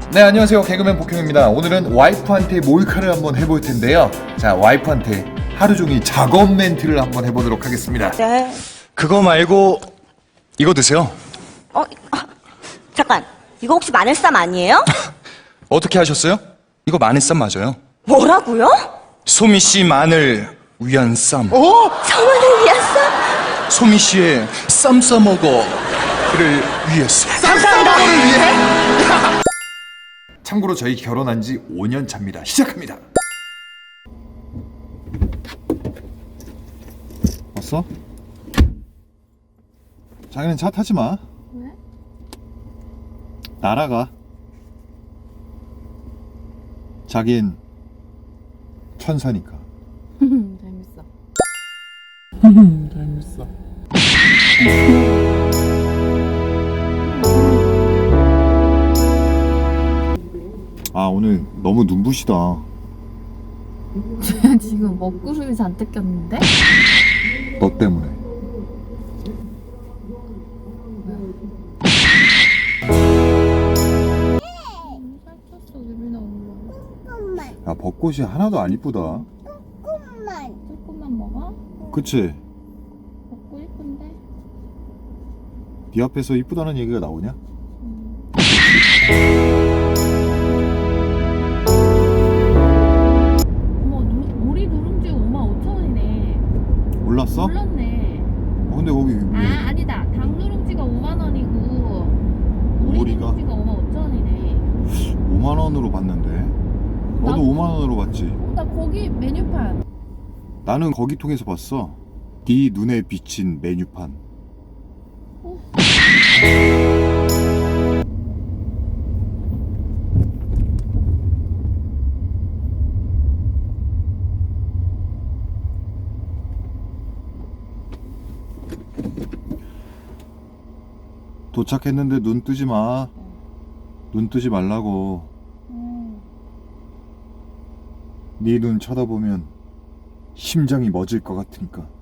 네, 안녕하세요. 개그맨 복형입니다. 오늘은 와이프한테 몰카를 한번 해볼 텐데요. 자, 와이프한테 하루 종일 작업 멘트를 한번 해보도록 하겠습니다. 네. 그거 말고 이거 드세요. 잠깐. 이거 혹시 마늘쌈 아니에요? 어떻게 하셨어요? 이거 마늘쌈 맞아요. 뭐라고요? 소미 씨 마늘 위한 쌈. 성원을 위한 쌈? 소미 씨의 쌈 싸먹어를 위해서. 참고로 저희 결혼한 지 5년 차입니다. 시작합니다. 왔어? 자기는 차 타지 마. 왜? 날아가. 자긴 천사니까. 재밌어. 재밌어. 아, 오늘 너무 눈부시다. 제가 지금 먹구름이 잔뜩 꼈는데? 너 때문에. 살쪘어, 유빈아 엄마. 야, 벚꽃이 하나도 안 이쁘다. 조금만 먹어? 그치? 먹고 이쁜데? 네 앞에서 이쁘다는 얘기가 나오냐? 어머, 오리 누룽지 55,000원이네. 몰랐어? 몰랐네. 근데 거기 왜 아니다. 닭 누룽지가 50,000원이고 오리 오리가? 누룽지가 55,000원이네. 5만 원으로 봤는데? 너도 나- 5만 원으로 봤지? 나 거기 메뉴판. 나는 거기 통해서 봤어. 네 눈에 비친 메뉴판. 도착했는데 눈 뜨지 마. 눈 뜨지 말라고. 네 눈 쳐다보면 심장이 멎을 것 같으니까.